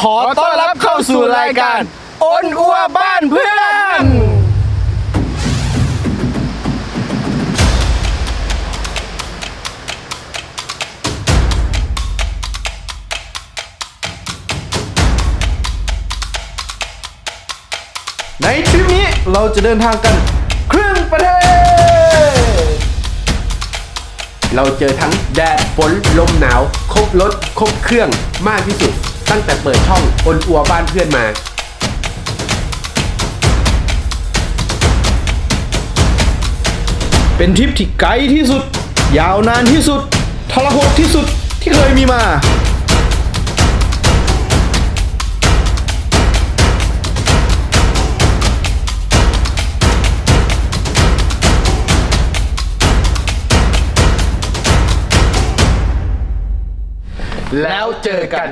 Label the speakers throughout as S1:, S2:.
S1: อต้อนรับเข้าสู่รายการอ้นอัวบ้านเพื่อนในทริปนี้เราจะเดินทางกันครึ่งประเทศ
S2: เราเจอทั้งแดดฝนลมหนาวครบรถครบเครื่องมากที่สุดตั้งแต่เปิดช่องอ้นอัวบ้านเพื่อนมา
S1: เป็นทริปที่ไกลที่สุดยาวนานที่สุดทรหดที่สุดที่เคยมีมา
S2: แล้วเจอกัน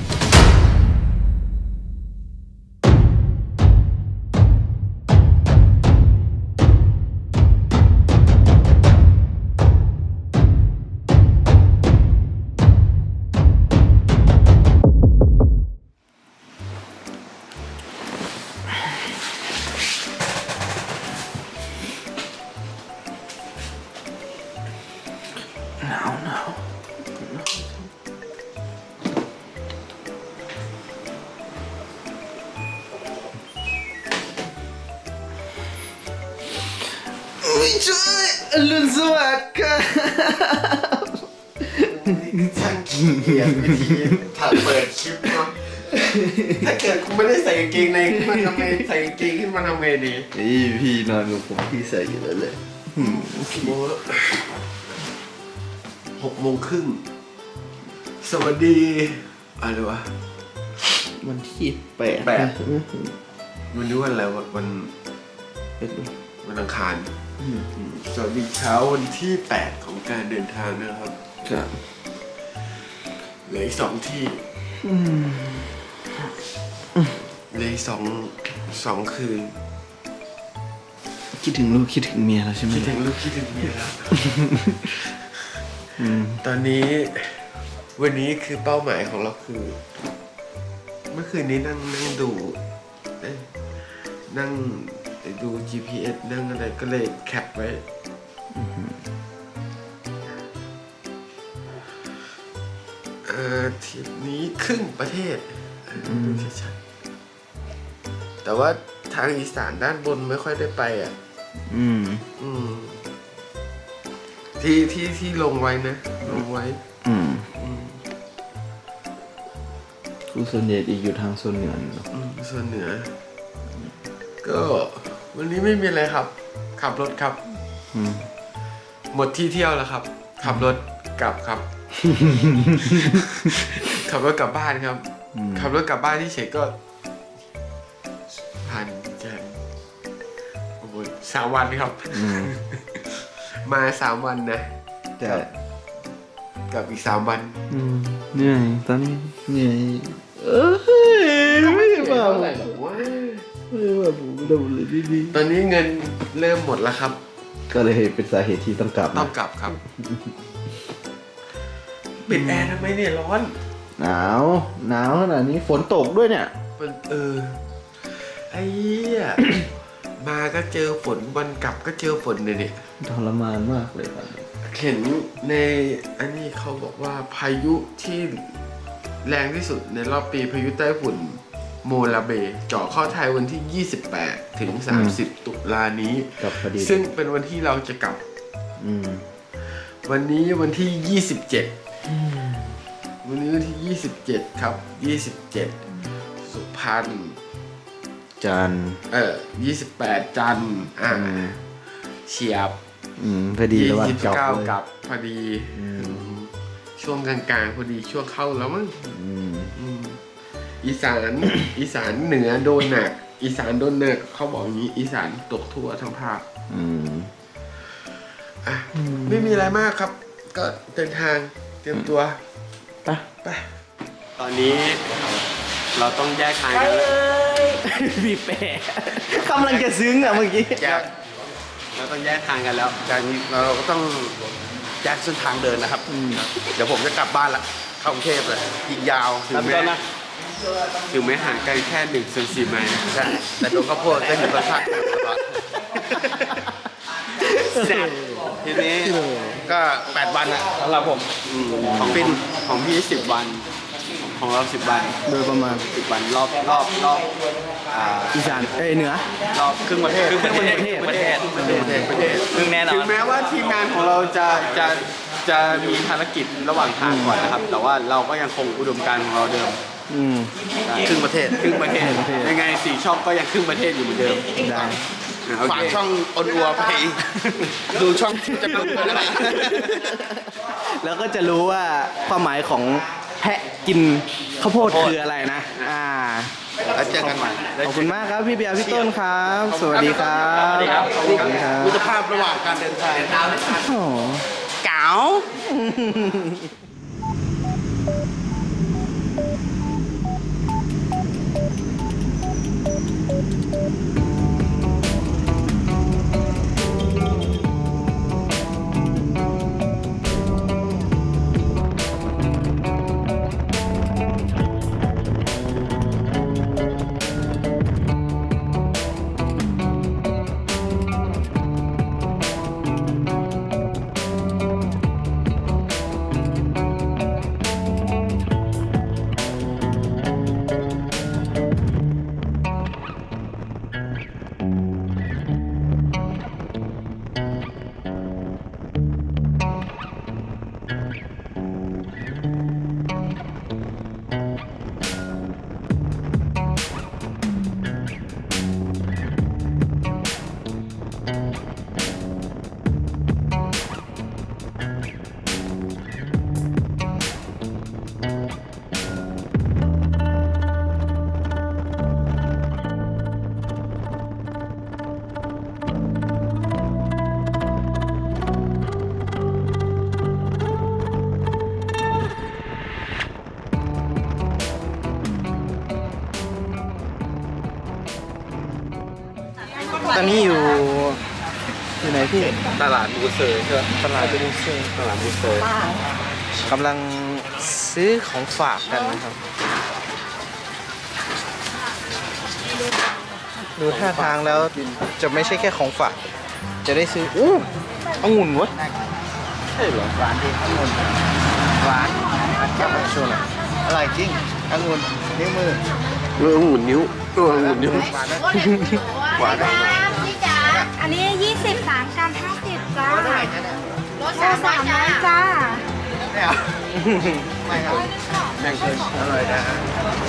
S1: ไม่ใช่อรุณสวัสดิ์ค่ะ
S2: ช่างเกียรวิธีถัดเปิดคลิปเนาะถ้าเกิดกูไม่ได้ใส่กางเกงในขึ้นมาทำไมใส่กางเกงขึ้นมาทำไงดี
S1: พี่นอนกับผมพี่ใส่อยู่แล้วเลย
S2: 6:30สวัสดีอะไรวะ
S1: วันที่8
S2: วันนี้วันอะไรวันอังคารสวัสดีเช้าวันที่8ของการเดินทางนะครับ
S1: ครับ
S2: เหลืออีก2ที่เหลืออีก2คืน
S1: คิดถึงลูกคิดถึงเมียแล้วใช่ไหม
S2: คิดถึงลูกคิดถึงเมียแล้วตอนนี้วันนี้คือเป้าหมายของเราคือเมื่อคืนนี้นั่งดูนั่งดู GPS นั่งอะไรก็เลยแคปไว้ทริปนี้ครึ่งประเทศดูชัดๆแต่ว่าทางอีสานด้านบนไม่ค่อยได้ไปอ่ะที่ลงไว้นะลงไว้
S1: คือส่วนใหญ่อยู่ทางโซนเหนือ
S2: ส่วนเหนือก็วันนี้ไม่มีอะไรครับขับรถครับหมดที่เที่ยวแล้วครับขับรถกลับครับ ขับรถกลับบ้านครับขับรถกลับบ้านที่เฉยก็ผ่านแจนโอ้โห3 วันครับมา3 วันนะกับอีก3 วัน
S1: เหนื่อยตอนนี้เหนื่อยไม่ได้มา
S2: อะไรหรอกว่า
S1: ไม่ได้มาผมดูเลยดี
S2: ตอนนี้เงินเริ่มหมดแล้วครับ
S1: ก็เลยเป็นสาเหตุที่ต้องกลับ
S2: ครับปิดแอร์ทำไมเนี่ยร้อน
S1: หนาวขนาดนี้ฝนตกด้วยเนี่ย
S2: ไอ้เหี้ยมาก็เจอฝนวันกลับก็เจอฝนเนี่ย
S1: ทรมานมากเลยครับ
S2: เห็นในอันนี้เขาบอกว่าพายุที่แรงที่สุดในรอบปีพายุไต้ฝุ่นโมลาเบเจาะเข้าไทยวันที่28 ถึง 30 ตุลานี้ซึ่งเป็นวันที่เราจะกลับวันนี้วันที่27วันนี้วันที่27ครับ27สุพรรณ
S1: จันทร์
S2: 28จันทร์เฉียบ
S1: พอดีแล้ววัน
S2: 29กลับพอดีช่วงกลางๆพอดีช่วงเข้าแล้วมั้งอีสานเหนือโดนหนักอีสานโดนหนักเขาบอกอย่างนี้อีสานตกทั่วทั้งภาคไม่มีอะไรมากครับก็เดินทางเตรียมตัวไปตอนนี้เราต้องแยกทางกันแล้ว
S1: บีบแปะกำลังจะซึ้งอ่ะเมื่อกี้
S2: เราต้องแยกทางกันแล้วจากนี้เราก็ต้องแยกเส้นทางเดินนะครับเดี๋ยวผมจะกลับบ้านละเข้ากรุงเทพเลยอีกยาวถึงแม้ถึงแม้ห่างกันแค่1/4 ไมล์นะ
S3: ใช่แต่ตัวข้าวโพดก็อยู่ข้างๆตลอดแซ่บทีนี้ก็8 วันอะสำหรับผม
S2: ของฟินของพี่10 วัน ของเรา10 วัน
S1: โดยประมาณ
S2: 10 วันรอบ
S1: อีสานเหนือ
S2: รอบครึ่งประเทศ
S3: ครึ่งประเทศครึ่งแน่นอ
S2: ถึ
S3: น
S2: งแม้ว่าทีมงานของเราจะมีภารกิจระหว่างทางก่อนนะครับ แต่ว่าเราก็ยังคงอุดมการณ์ของเราเดิม
S3: ครึ่งประเทศ
S2: ครึ่งประเทศ
S1: ครึ่งประเทศ
S2: ยังไง4 ช่องก็ยังครึ่งประเทศอยู่เหมือนเดิม
S1: ได้
S2: โอ
S3: ฝาก
S2: เค
S3: ช่องออนอัวไป ดูช่องที่จะเป็นอะไร
S1: แล้วก็จะรู้ว่าความหมายของแพะกินข้าวโพดคืออะไรนะ
S3: แล้วเจอกันใหม่
S1: ขอบคุณมากครับพี่เบียร์พี่ต้นครับ สวัสดีครับ
S3: สวัสดีครับ
S1: สวัสดีครับ
S3: มิตรภาพระหว่างการเดินทาง
S1: โอ้
S3: เก๋า
S1: ตอนนี้อยู่ไหนพี่
S2: ตลาดบูเซอร์ใช่ไหม
S1: ตลาดบูเซ่
S2: ตลาดบูเซอร์
S1: กำลังซื้อของฝากกันนะครับ ดูท่าทางแล้วจะไม่ใช่แค่ของฝาก จะได้ซื้อองุ่นเวะ
S2: ใช่เหรอ
S3: หวานดีองุ่นหวาน
S1: แก้วโชว์หน่อย
S3: อร่อยจริงองุ่นนิ้วมือ
S2: องุ่นนิ้วองุ่นนิ้ว
S3: หวานนะ
S2: หวาน
S4: พี่จ๋าอันนี้ 20 3 กรัม 50 จ้า
S3: เท่าไหร่จ๊ะเนี่ย
S4: รถ300จ้า
S3: ไม่เอาไม่ครับ
S2: แบ่งเลย
S3: อร่อยนะฮะ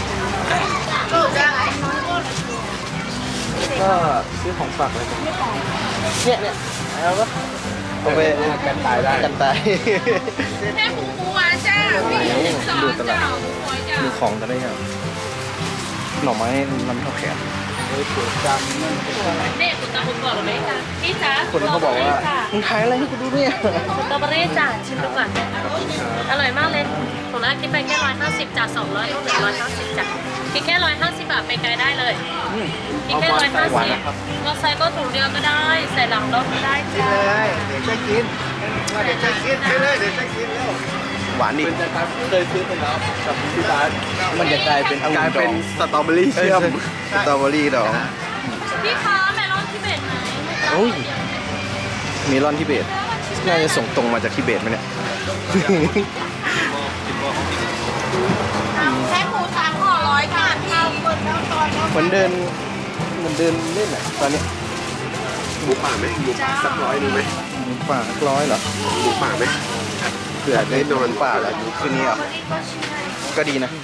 S1: ก็ซื้อของฝากเลยเนี่ยแล้วก็เอาไป
S2: กันตายได้
S1: กันตาย
S4: แม่หมูหวานจ้าพี่12
S1: ดูตลา
S4: จ้า
S1: ด
S4: หมูหวานจ้า
S1: ดูของกันได้ยังหน่อไม้น้ำเท่าแขน
S5: เนี่ยคุณตาคุณบอกเลยจ้ะพี่จ๋า
S1: คนเขาบอกว่ามึงขายอะไรให้กูดูเนี่ย
S5: สตรอเบอรี่จ้ะชิมดูก่อนอร่อยมากเลยผมแรกคิดไปแค่150จาก200ลูกเหลือ150จ้ะคิดแค่150 บาทไปไกลได้เลยคิดแค่150เราใส่ก็ถุงเดียวก็ได้ ใส่หลังรถก็ได้
S3: กิน
S5: จ้ะ
S3: เลยเดี๋ยวจะกินว่าเดี๋ยวจะกินไปเลยเดี๋ยวจะกินแล้ว
S1: หวานดิ
S2: เป็นจะเคยซื้อไปแล้วกับพี่บาส
S1: มันจะกลายเป็นองุ่
S2: กลาย
S1: นด
S2: เป็
S1: อน ง
S2: สตรอเบอรี่เชื่อม
S1: สตรอเบอรี่ดอง
S5: พี่คะเมลอนทิเบตไหม
S1: โอ้ยเมลอนทิเบตน่าจะส่งตรงมาจากทิเบตไหมเนี่ย
S4: แค่หมู3ห่อ100ค่ะพี่
S1: เหมือนเดินเล่นอ่ะตอนนี้
S2: หมูป่าไหมหมูป่าสัก100นึงไหม
S1: ป่าร้อยเหรอ
S2: หมูป่าไหม
S1: เผื่อได้นอนป่าแล้วคืนนี้อ่ะก็ดีนะ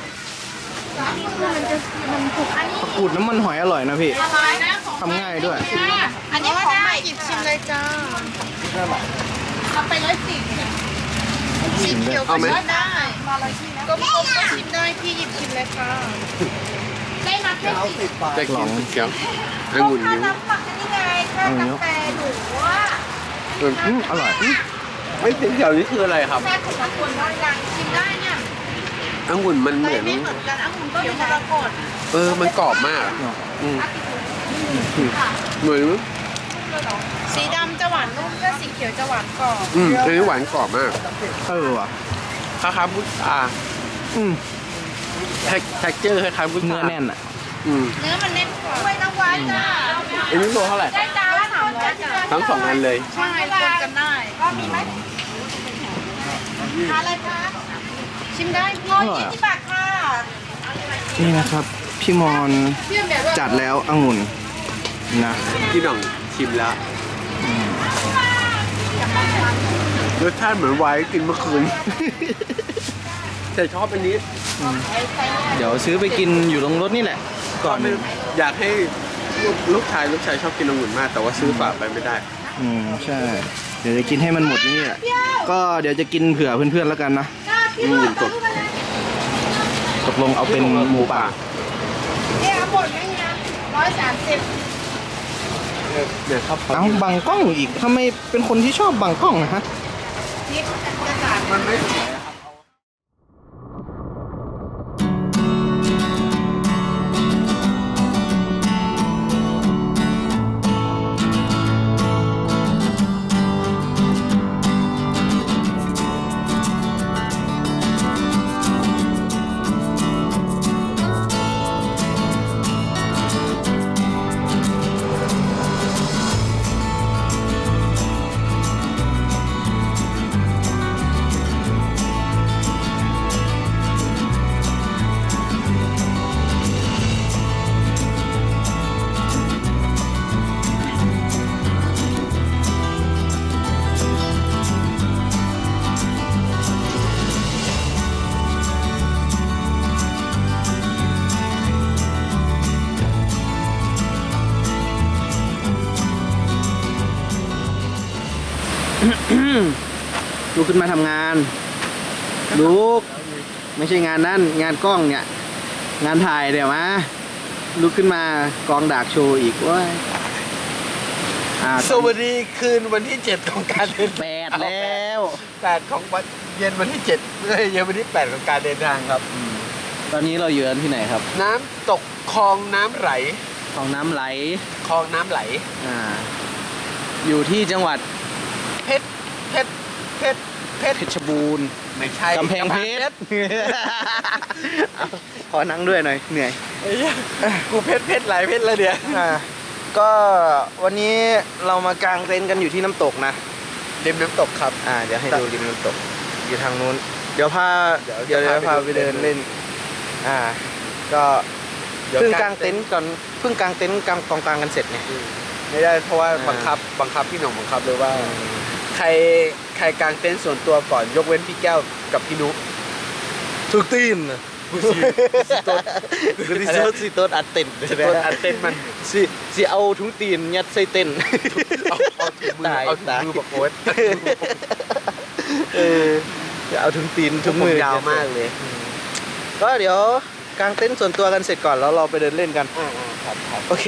S1: ผักกูดน้ำมันหอยอร่อยนะพี่ทำง่ายด้วย
S4: อันนี้ของใหม่หยิบชิมเลยจ้าเอาไป140สีเขียวก็ชิมได้กลมๆก็ชิมได้พี่หยิบชิมเลยค่ะได้มาแค่10
S2: จะกินเขียวองุ่นนิ้ว
S4: น้ำปักนี่ไงค่ากาแฟหนูว่า
S1: อร่อย
S2: ไม่เป็นเขียวนี่คืออะไรครับ
S4: แค่ของคนน้อยยังชิมได้เนี่ย
S2: องุ่นมันเหมือน
S4: ไม่เหมือนกันองุ่นเขียวมรกต
S2: มันกรอบมากอืมเหมือน
S4: สีดำจะหวานนุ่มถ้าสีเขียวจะหวานกรอบ
S2: อันนี้หวานกรอบมาก
S1: ว่ะ
S2: คล้ายๆพุทรา
S1: อืม
S2: แท็กเจอร์คล้ายๆพุท
S1: เนื้
S2: รา
S1: อแน่นอ่ะ
S4: เนื้อมันแน่นกว่าด้วยน้ำหวานจ้า
S2: อันนี้โลเท่าไหร่
S4: ได้จ้าละ300จ้า
S2: ทั้งสองอันเลย
S4: ใช่คนกันได้ก็มีไหมทานอะไรคะชิมได้120 บาทค่ะ
S1: นี่นะครับ พี่มอนจัดแล้วองุ่นนะ
S2: พี่หน่องชิมแล้วรสชาติเหมือนไวน์กินเมื่อคืน แต่ชอบอันนี้
S1: เดี๋ยวซื้อไปกินอยู่ตรงรถนี่แหละ ก่อน
S2: อยากให้ลูกชายชอบกินองุ่นมาก แต่ว่าซื้อฝากไปไม่ได้
S1: ใช่ เดี๋ยวจะกินให้มันหมดนี่แหละ ก็เดี๋ยวจะกินเผื่อเพื่อนๆแล้วกันนะ
S2: องุ่นสด
S1: ตกลงเอาเป็นหมูป่า
S4: เนี่ยหมดไหมเนี่ย130
S2: เดี๋ยวครับ
S1: เอ้าบังกล้องอีกทำไมเป็นคนที่ชอบบังกล้องนะฮะ
S4: นิดจะสาด
S2: มันไม่สวยครับ
S1: ลุกขึ้นมาทำงาน ลุก ไม่ใช่งานนั่นงานกล้องเนี่ย งานถ่ายเดี๋ยวมาลุกขึ้นมากองดากโชว์อีกว้ย
S2: สวัสดีคืนวันที่ 7 ของการเดิน
S1: 8แล้ว
S2: 8ของวันเย็นวันที่7เย็นวันที่ 8 ของการเดินทางครับ
S1: ตอนนี้เราอยู่กันที่ไหนครับ
S2: น้ำตกคลองน้ำไหล
S1: ของน้ำไหล
S2: คลองน้ำไหล
S1: อยู่ที่จังหวัด
S2: เพชร
S1: เพชรบูรณ์
S2: ไม่ใช่
S1: กำแพงเพชร ขอนั่งด้วยหน่อยเหนื่อย
S2: ไอ้เหี้ยกูเพชรหลายเพชรแล้วเดี๋ยว
S1: ก็วันนี้เรามากางเต็นท์กันอยู่ที่น้ำตกนะ
S2: ริมน้ำตกครับ
S1: เดี๋ยวให้ดูริมน้ำตก อยู่ทางนู้น เดี๋ยวพา
S2: เดี๋ยว
S1: พาไปเดินเล่น ก็
S2: เดี๋ยว
S1: เพิ่งกางเต็นท์ก่อนเพิ่งกางเต็นท์กองกลางกันเสร็จเนี่ย
S2: ไม่ได้เพราะว่าบังคับพี่หน่องบังคับเลยว่า ใครกางเต็นท์ส่วนตัวก่อนยกเว้นพี่แก้วกับพี่นุ๊ก
S1: ทุกตีน
S2: กูสิต้น
S1: สิต้นอัดเต็นท์
S2: ต้นอัดเต็นท์มัน
S1: สิเอาทุงตีนยัดใส่เต็นท์
S2: เอาถุงมือบอกโอ๊ต
S1: จะเอาทุงตีนทุงมือย
S2: าวมากเลย
S1: ก็เดี๋ยวกางเต็นท์ส่วนตัวกันเสร็จก่อนแล้วเราไปเดินเล่นกัน
S2: ครับ
S1: โอเค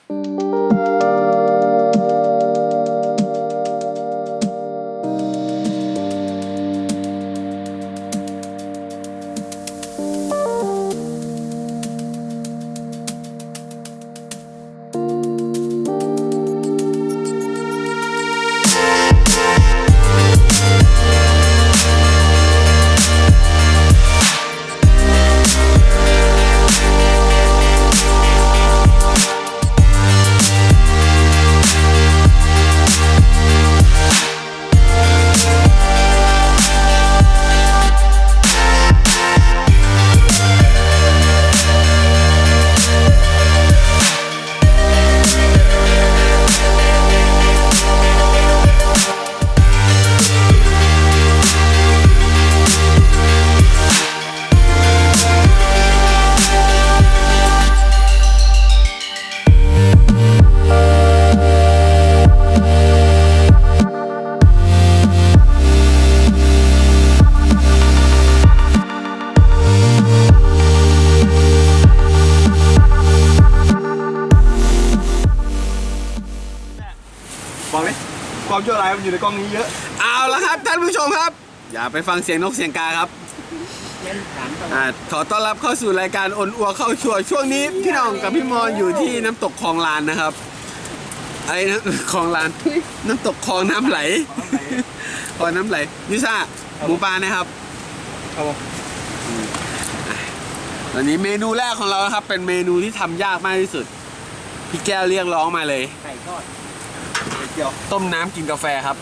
S3: บอกเลยความชั่วร้ายมันอยู่ในกล้องนี้เยอะ
S2: เอาละครับท่านผู้ชมครับ อย่าไปฟังเสียงนกเสียงกาครับขอต้อนรับเข้าสู่รายการอนอัวเข้าชัวร์ช่วงนี้พี่น้องกับพี่มอนอยู่ที่น้ำตกคลองลานนะครับไอ้นะคลองลานน้ำตกคลองน้ำไหลคลองน้ำไหลยูซ่าหมูปลานะครับ
S3: ครับผม
S2: วตอนนี้เมนูแรกของเรานะครับ เป็นเมนูที่ทำยากมากที่สุด พี่แก้วเรียกร้องมาเลย
S1: ไก่ทอดเกี่ยว
S2: ต้มน้ำกินกาแฟครับ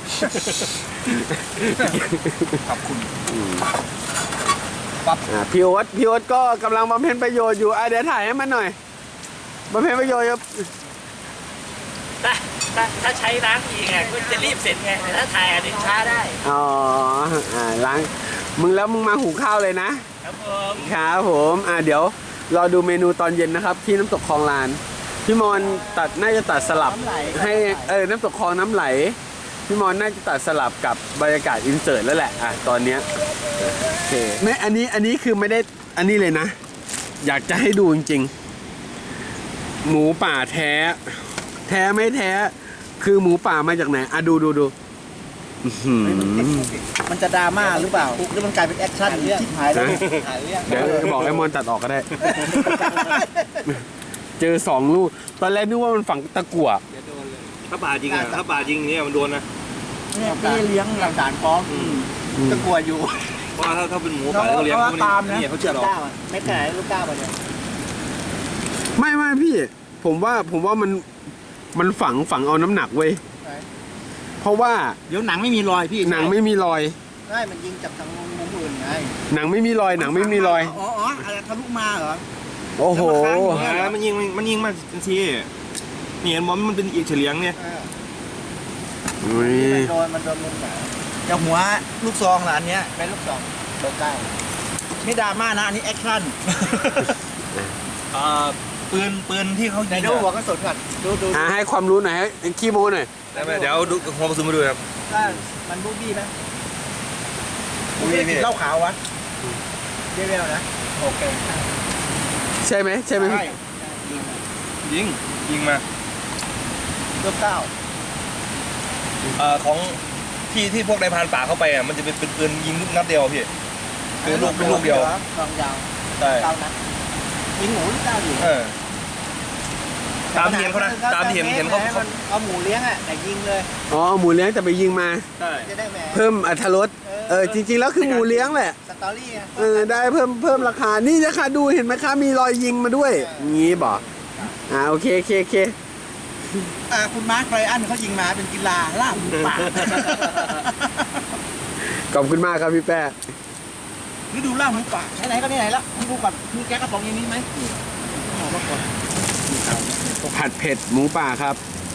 S1: ขอบคุณ
S2: พี่โอ๊ตก็กำลังบำเพ็ญประโยชน์อยู่เดี๋ยวถ่ายให้มันหน่อยบำเพ็ญประโยชน์ครับ
S6: ถ้าใช้ล้างอีกก็จะรีบเสร็จไงแต่ถ้าถ่ายถึงช้าได้
S2: อ๋อล้างมึงแล้วมึงมาหุงข้าวเลยนะครับ
S6: ผม
S2: ครับผมเดี๋ยวรอดูเมนูตอนเย็นนะครับ ที่น้ำตกคลองลานพี่มอนน่าจะตัดสลับให้น้ำตกคลองน้ำไหลพี่มอนน่าจะตัดสลับกับบรรยากาศอินเสิร์ตแล้วแหละตอนเนี้ยโอเคไม่อันนี้คือไม่ได้อันนี้เลยนะ อยากจะให้ดูจริงๆหมูป่าแท้ไม่แท้คือหมูป่ามาจากไหนดูอื้อหือ
S1: มันจะดราม่าหรือเปล่าหรือมันกลายเป็นแอคชั่นเรื่องหายแล้วหายเรื่อง
S2: เดี๋ยวบอกไอ้มอนตัดออกก็ได้ เจอ2 ลูกตอนแรกนึกว่ามันฝังตะกั่ว
S3: ถ้าป่าจริงอ่ะถ้าป่าจริงเนี่ยมันโดนนะ
S1: เนี่ยพี่เลี้ยงหลักฐานฟ้องจะกลัวอยู่
S3: เพราะว่าถ้าเป็นหมูป่าเขาเลี้ยงพวกนี้เขาเชื่อหรอก
S1: ไม่ขนาดลูกก้าวเนี่ย
S2: ไม่พี่ผมว่ามันฝังเอาน้ำหนักเว้ยเพราะว่า
S1: เดี๋ยวหนังไม่มีรอยพี่
S2: หนังไม่มีรอย
S1: ใช่มันยิงจากทางมุมอื่นไง
S2: หนังไม่มีรอย
S1: อ๋ออะไรทะลุมาเหรอ
S2: โอ้โห
S3: มันยิงมาทันทีนี่เห็นบอลมันเป็นอีกเฉลียงเนี่ย
S1: มันโดนมุมไหนจากหัวลูกซองล่ะอันเนี้ยเป็นลูกซองโดนใกล้ไม่ดราม่านะอันนี้แอคชั่น
S3: ปืนที่เขายิง
S1: ดูหัวกระสุนก่อนดู
S2: ให้ความรู้หน่อยให้ขี้โม้หน่อย
S3: เดี๋ยวดูหัวกระสุนมาดูครับ
S1: มันบูบี้ไหมบูบี้กินเหล้าขาววะเรียวๆนะโอเค
S2: ใช่ไหมพี่
S3: ยิงมา
S1: ลูกก้าว
S3: ของที่พวกนายพรานป่าเข้าไปอ่ะมันจะเป็นปืนยิงลูกนัดเดียวพี่เป็นลูกเดียว
S1: กองยาว
S3: ใช่
S1: เก้านัดยิงหมูหรือเก้าอยู่
S3: ตามที่เห็นเขานะตามที่เห็นเขา
S1: เอาหมูเลี้ยงอ่ะแต่ยิงเลย
S2: อ๋อหมูเลี้ยงแต่ไปยิงมา
S3: ใช่
S1: จะได้แหม
S2: เพิ่มอรรถรสจริงๆแล้วคือหมูเลี้ยงแหละ
S1: สตอรี่อ่ะ
S2: ได้เพิ่มราคานี่นะคะดูเห็นไหมคะมีรอยยิงมาด้วยงี้บอกโอเค
S1: คุณมาร์คไรอันเขายิงมาเป็นกีฬาล่าหมูป่า
S2: ขอบคุณมากครับพี่แป้
S1: ฤดูล่าหมูป่าไหนก็ไหนแล้วดูก่อนมีแก๊สกระป๋องอย่างนี้ไหม
S2: ผัดเผ็ดหมูป่าครับ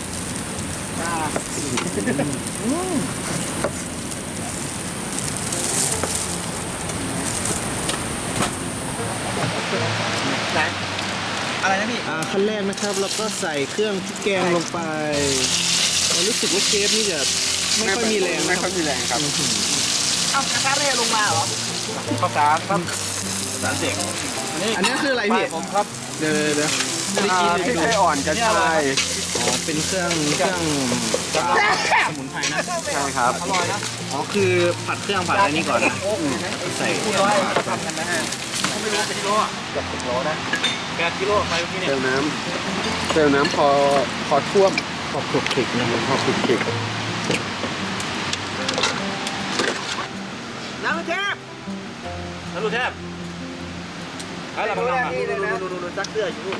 S1: อะไรนะพี่ขั้นแรกนะครับเราก็ใส่เครื่องพริกแกงลงไปรู้สึกว่าเชฟนี่จะไม่ค่อยมีแรง
S2: ไม่ค่อยมีแรงครับ
S1: เอากระทะเร่ลงมาเหรอ
S3: ข้าวสารครับสารเด็ก
S1: อันนี้คืออะไรพี่
S3: ผมครับ
S1: เดี๋ยว
S2: พริกไทยอ่อนกระชาย
S1: เป็นเครื่องสมุนไพรนะ
S2: ใช่ครับ
S1: อร่อยนะอ๋อคือผัดเครื่องผัดอะไรนี่ก่อนนะใส่คู่ร้อยทำกันนะฮะไม่รู้เป็นกิโลอ่ะเกือบ10 โลนะ8 กิโลไปเมื่อกี้เนี่ย
S2: เติมน้ำพอท่วมพอคลุกคลิกนะครับพอคลุกคลิก
S1: น้ำเทพ
S3: แล้วดูแทบอะไรบ้าง
S1: นี่เลยนะดูซักเสื้ออยู่นู่น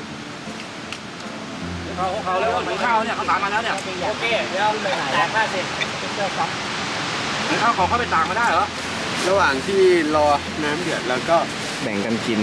S3: เขาแล้วถึงข้าวเนี่ยเขาตามมาแล้วเนี่ย
S1: โอเคเดี๋ยวแตกมากสิเสื้อซัก
S3: ถึงข้าวของเขาไปต่างมาได้เหรอ
S2: ระหว่างที่รอน้ำเดือดแล้วก็แบ่งกันกิน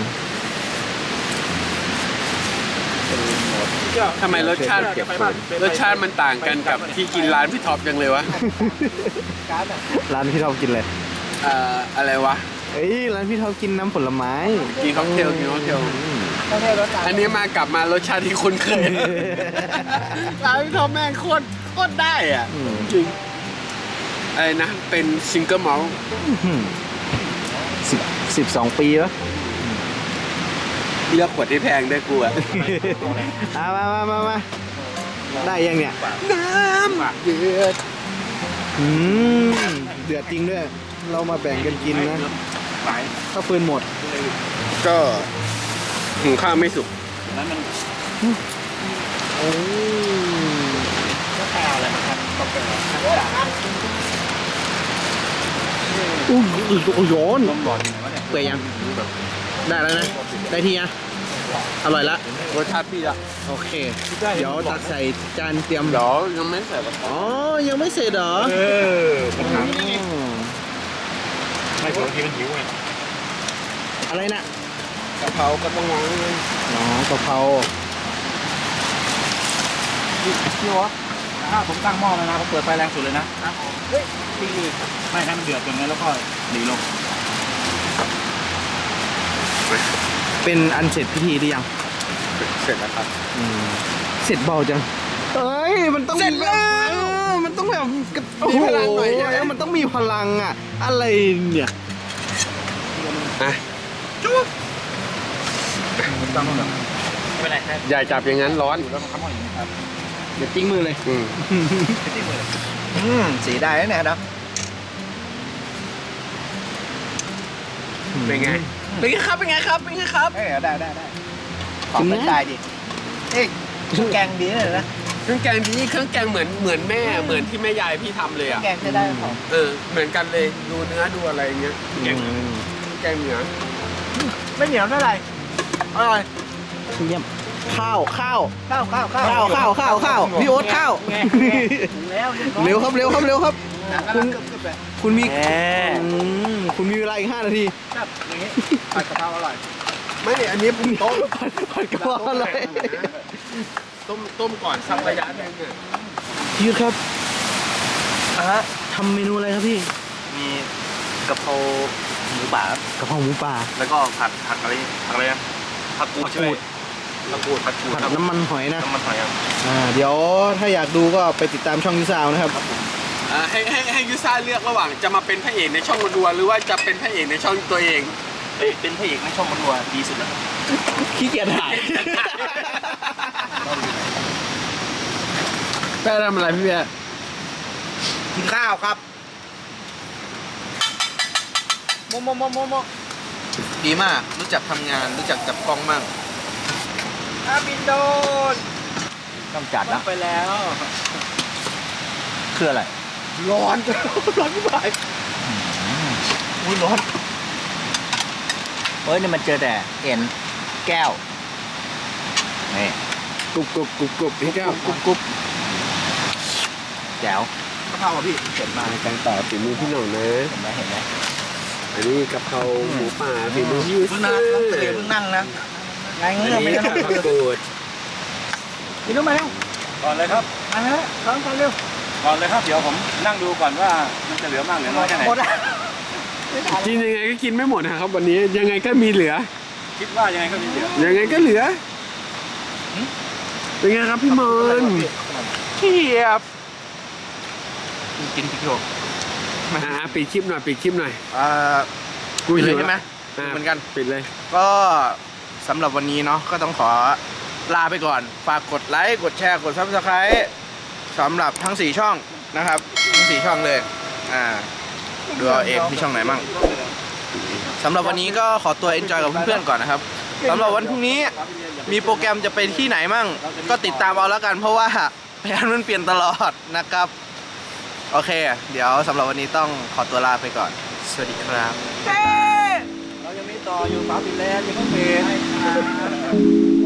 S2: ทำไมรสชาติมันต่างกันกับที่กินร้านพี่ท็อปจังเลยวะ
S7: ร้านพี่ท็อปกินอะไร
S2: อะไรวะ
S7: เอ้ยร้านพี่ท็อปกินน้ำผลไม้
S2: กินค็อกเทลอันนี้มากลับมารสชาติที่คุ้นเคยร้านพี่ท็อปแม่งโคตรได้อ่ะจริงอะไรนะเป็นซิงเกิลมอลต์
S7: 12 ปีวะ
S2: เลือกขวดที่แพงได้กูอ่ะ
S7: มาได้ยังเนี่ย
S2: น้ำเดือด
S7: เดือดจริงด้วย เรามาแบ่งกันกินนะถ้าฟืนหมด
S2: ก็หุงข้าวไม่สุก
S7: โอ้
S1: อุ้ยโยนเปื่อยยังได้แล้วนะได้ที่นะอร่อยละ
S2: รสชาติพี่อะ
S1: โอเค เดี๋ยวตักใส่จานเตรียม
S2: เดี๋ยวยังไม่ใส่กระเพาะ
S1: อ๋อ ยังไม่เสร็จเหรอ
S3: ปัญหาไม่ปกติมันหิวไง
S1: อะไรนะ
S2: กะเพราก็ต้องวางไว้เลย
S1: อ๋อกะเพรา
S3: พี่วะถ้าผมตั้งหม้อแล้วนะผมเปิดไฟแรงสุดเลยนะเฮ้ยพี่ไม่ให้มันเดือดจนงั้นแล้วก็หนีลง
S1: เป็นอันเสร็จพิธีหรือยัง
S2: เสร็จแล้วครับ
S1: เสร็จเบาจังเอ้ย มันต้อง
S2: เสร็จแล้ว
S1: มันต้องแบบโอ้โห
S2: มีพลังหน่อยใช่ไหม
S1: มันต้องมีพลังอ่ะ อะไรเนี่ย
S2: อ่ะ
S3: ตั้งหม้อแบบไม่เป็นไรครับ
S2: อย่าจับอย่างนั้นร้อน
S3: แล้วก็ทำหม้ออย่างนี้ครับ
S1: เดี๋ยวจิ้งมือเลย
S7: สีได้แล้วเนี่ยนะ
S2: เป็นไง เป็นไงครับ เป็นไงครับ เป็นไงครับ
S7: ได้ขอเป็นได้ดิเอ๊ะแกงดีเลยนะ
S2: เครื่องแกงนี้เครื่องแกงเหมือนแม่เหมือนที่แม่ยายพี่ทำเลยอ่ะ
S7: แกงจะได้ของ
S2: เหมือนกันเลยดูเนื้อดูอะไรอย่างเงี้ยแกงเหนือ
S7: ไม่เหนียวเท่าไหร่อร่อย
S1: เยี่ยมข้าว
S7: ข้าว
S1: พี่โอ๊ตข้าว
S7: แล้ว
S1: เร็วครับเร็วครับเร็วครับ
S7: คุณ
S1: คุณมีคุณมีเวลาอีก5 นาที
S7: ครับอย่างนี้ผัดกะเพราอร่อย
S2: ไม่อันนี้ผมต้ม
S1: ผัดกะเพราอะไร
S2: ต้มก่อนสักระยะหนึงอ่ะ
S1: พี่ยุทธครับทำเมนูอะไรครับพี่
S3: มีกะเพราหมูป่าก
S1: ะเพราหมูป่า
S3: แล้วก็ผัดอะไรนะผักกูดใช่ไหมผักกูด
S1: ผัดน้ำมันหอยนะ
S3: น้ำมันหอยครับ
S1: เดี๋ยวถ้าอยากดูก็ไปติดตามช่องยูซาวนะครับ
S2: ให้ยูซ่าเลือกระหว่างจะมาเป็นพระเอกในช่องมาดัวหรือว่าจะเป็นพระเอกในช่องตัวเอง
S3: เป็นพระเอกในช่องมาดัวดีสุดแล้ว
S1: ขี้เกียจถ่าย
S2: แป้ทำอะไรพี่แป้
S7: กินข้าวครับโม
S1: ดีมากรู้จักทำงานรู้จักจับกล้องมั่ง
S7: อาบินโดน
S3: ต้องจัดนะ
S7: ไปแล้ว
S3: คืออะไร
S7: ร้อนที่บ่ายอุ้ยร้อน
S3: เฮ้ยนี่มันเจอแต่เอ็นแก้วนี่
S1: กรุบพี่แก้วกรุบ
S3: แจ๋ว
S7: กะเพราอ่ะพี่เสร็จมา
S2: การต่อฝีมือพี่หน่องนะ
S3: เห็นไหมเห็นไหม
S2: อันนี้กะเพราหมูป่าฝีมือพี่ยู
S7: เพิ่ง
S2: ซ่า
S7: นั่งเพิ่งนั่งนะไง
S2: อัน
S7: เงี้ยไม่
S2: นี้
S7: ได้
S2: ผักกูด
S7: กินรู้ไหมเร็ว
S3: ก่อนเลยครับ
S7: มาแล้วร้อนกันเร็ว
S3: ก่อนเลยครับเดี๋ยวผมนั่งดูก่อนว่ามันจะเหลือมากเหลือน้อยแค่ไหน
S7: หมดแล้ว
S2: กินยังไงก็กินไม่หมดนะครับวันนี้ยังไงก็มีเหลือ
S3: คิดว่ายังไงก็มีเหลือ
S2: ยังไงก็เหลือเป็นไงครับพี่มอนเทียบ
S1: กินพริกโยก
S2: ปิดคลิปหน่อยปิดคลิปหน่อย
S1: กูหิวใช่ไหม
S2: อ่ะ
S1: เหมือนกัน
S2: ปิดเลย
S1: ก็สำหรับวันนี้เนาะก็ต้องขอลาไปก่อน ฝากกดไลค์กดแชร์กด Subscribe สำหรับทั้ง4ช่องนะครับทั้ง4ช่องเลยดูเอาเองมีช่องไหนมั่งสำหรับวันนี้ก็ขอตัว enjoy กับเพื่อนๆก่อนนะครับสำหรับวันพรุ่งนี้มีโปรแกรมจะไปที่ไหนมั่งก็ติดตามเอาแล้วกัน เพราะว่าแผนมันเปลี่ยนตลอดนะครับโอเค เดี๋ยวสำหรับวันนี้ต้องขอตัวลาไปก่อนสวัสดีครับ
S3: เรายังมีต่ออยู่ฝาปิดแล้วยังไม่ปิด